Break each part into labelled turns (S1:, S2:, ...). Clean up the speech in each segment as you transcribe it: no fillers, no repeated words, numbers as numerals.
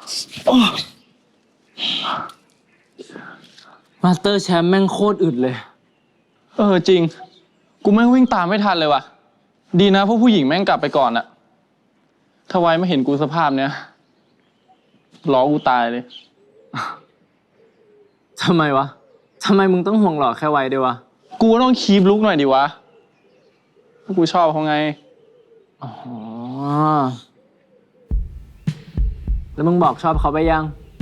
S1: มาสเตอร์แชมป์แม่งโคตรอึดเลย
S2: จริงกูแม่งวิ่งตามไม่ทันเลยว่ะดีนะพวกผู้หญิงแม่งกลับไปก่อนอะถ้าไว้ไม่เห็นกูสภาพเนี้ยล้อกูตายเลย
S1: ทำไมวะทำไมมึงต้องห่วงหล่อแค่ไว้ด้วยวะ
S2: กูต้องคีปลุกหน่อยดิวะกูชอบเขาไง
S1: อ๋อแล้วมึงบอกชอบเขาไปยัง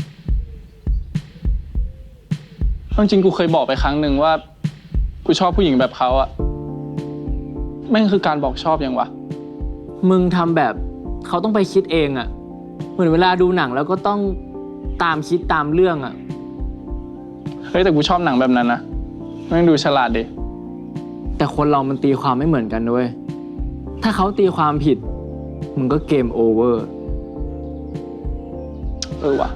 S2: จริงกูเคยบอกไปครั้งหนึ่งว่ากูชอบผู้หญิงแบบเขาอะแม่งคือการบอกชอบยังวะ
S1: มึงทำแบบเขาต้องไปคิดเองอะเหมือนเวลาดูหนังแล้วก็ต้องตามคิดตามเรื่องอะ
S2: แต่กูชอบหนังแบบนั้นนะแม่งดูฉลาดดิ
S1: แต่คนเรามันตีความไม่เหมือนกันด้วยถ้าเขาตีความผิดมึงก็เกมโอเวอร์
S2: ว่ะ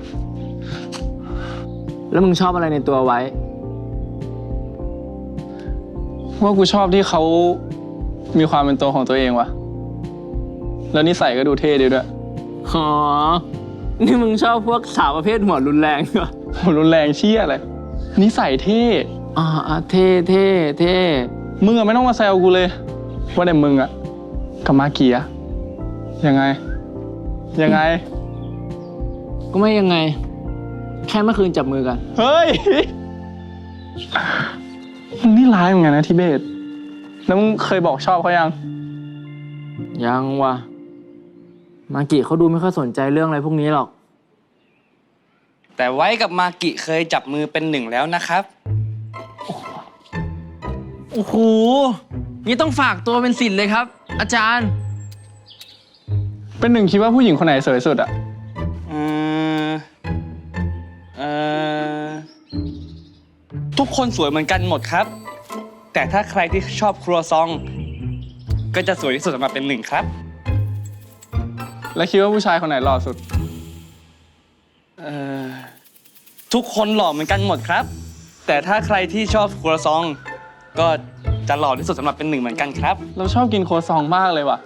S1: แล้วมึงชอบอะไรในตัวไว้
S2: ว่ากูชอบที่เขามีความเป็นตัวของตัวเองว่ะแล้วนิสัยก็ดูเท่ดีด้วย
S1: อ๋อนี่มึงชอบพวกสาวประเภทหัวรุนแรงเหรอ
S2: หัวรุนแรงเชี่ยอะไรนิสัยเท่
S1: เท่เท่เท่
S2: มึงอะไม่ต้องมาแซวกูเลยว่าแต่มึงอะกับมาเกียยังไง
S1: ก็ไม่ยังไงแค่เมื่อคืนจับมือกัน
S2: เฮ้ยมึงนี่ร้ายเหมือนกันนะทิเบตแล้วมึงเคยบอกชอบเขา
S1: ยังวะมากิเขาดูไม่ค่อยสนใจเรื่องอะไรพวกนี้หรอก
S3: แต่ไว้กับมากิเคยจับมือเป็นหนึ่งแล้วนะครับ
S1: โอ้โหนี่ต้องฝากตัวเป็นศิษย์เลยครับอาจารย์
S2: เป็นหนึ่งคิดว่าผู้หญิงคนไหนสวยสุดอะ
S3: ทุกคนสวยเหมือนกันหมดครับแต่ถ้าใครที่ชอบครัวซองก็จะสวยที่สุดออกมาเป็นหนึ่งครับ
S2: แล้วคิดว่าผู้ชายคนไหนหล่อสุด
S3: ทุกคนหล่อเหมือนกันหมดครับแต่ถ้าใครที่ชอบครัวซองก็จะหล่อที่สุดสำหรับเป็นหนึ่งเหมือนกันครับ
S2: เราชอบกินโคซองมากเลยว่ะ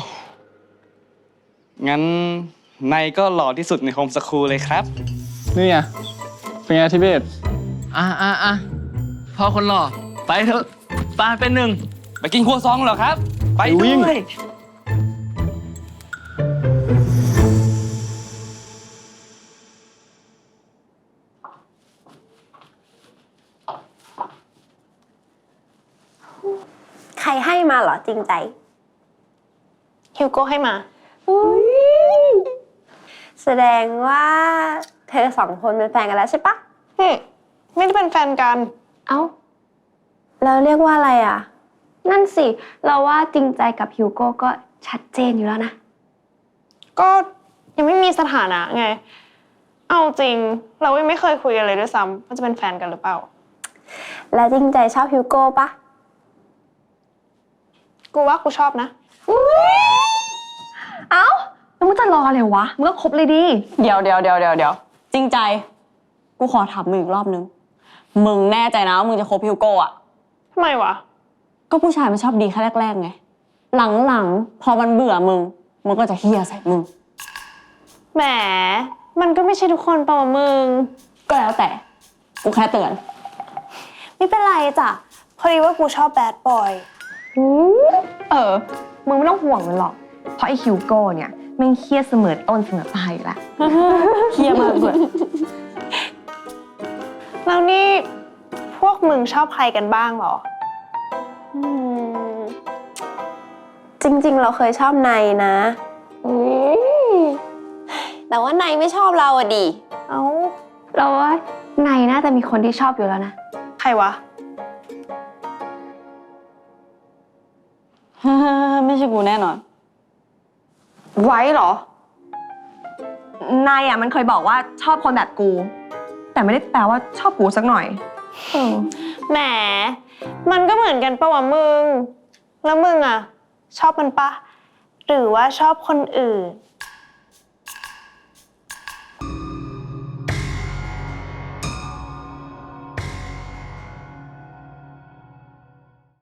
S3: งั้นนายก็หล่อที่สุดในโฮมสคูลเลยครับ
S2: นี่ไงเป็นไงทิเบต
S1: พอคนหล่อไปเถอะปาเป็นหนึ่ง
S3: ไปกินครัวซองเหรอครับไปด้วย
S4: ใครให้มาเหรอจริงใจ
S5: ฮิวโก้ให้มา
S4: แสดงว่าเธอสองคนเป็นแฟนกันแล้วใช่ปะ
S5: ไม่ได้เป็นแฟนกัน
S4: เอ้าแล้วเรียกว่าอะไรอ่ะนั่นสิเราว่าจริงใจกับฮิวโก้ก็ชัดเจนอยู่แล้วนะ
S5: ก็ยังไม่มีสถานะไงเอาจริงเราไม่เคยคุยกันเลยด้วยซ้ำว่าจะเป็นแฟนกันหรือเปล่า
S4: แล้วจริงใจชอบฮิวโก้ปะ
S5: กูว่ากูชอบนะ
S4: เอ้าแล้วมึงจะรออะไรวะมึงก็คบเลยดิ
S6: เดี๋ยวจริงใจกูขอถามมึงอีกรอบนึงมึงแน่ใจนะว่ามึงจะคบฮิวโก้อะ
S5: ทำไมวะ
S6: ก็ผู้ชายมันชอบดีแค่แรกๆไงหลังๆพอมันเบื่อมึงก็จะเฮี้ยใส่มึง
S5: แหมมันก็ไม่ใช่ทุกคนเปล่ามึง
S6: ก็แล้วแต่กูแค่เตือน
S5: ไม่เป็นไรจ้ะพอดีว่ากูชอบแบดบอย
S4: มึงไม่ต้องห่วงมันหรอกเพราะไอ้ฮิวโก้เนี่ยแม่งเฮี้ยเสมอต้นเสมอปลายอยู่แล้ว
S6: เฮี้ยมากเลย
S5: แล้วนี่พวกมึงชอบใครกันบ้างหรอ
S4: จริงๆเราเคยชอบนายนะแต่ว่านายไม่ชอบเราอะดิ
S5: เอ้า
S4: เราว่านายน่าจะมีคนที่ชอบอยู่แล้วนะ
S5: ใครวะ
S6: ไม่ใช่กูแน่นอน
S4: ไว้เหรอ นายอะมันเคยบอกว่าชอบคนแบบกูแต่ไม่ได้แปลว่าชอบกูสักหน่อย
S5: แหมมันก็เหมือนกันปะวะมึงแล้วมึงอะชอบมันปะหรือว่าชอบคนอื่น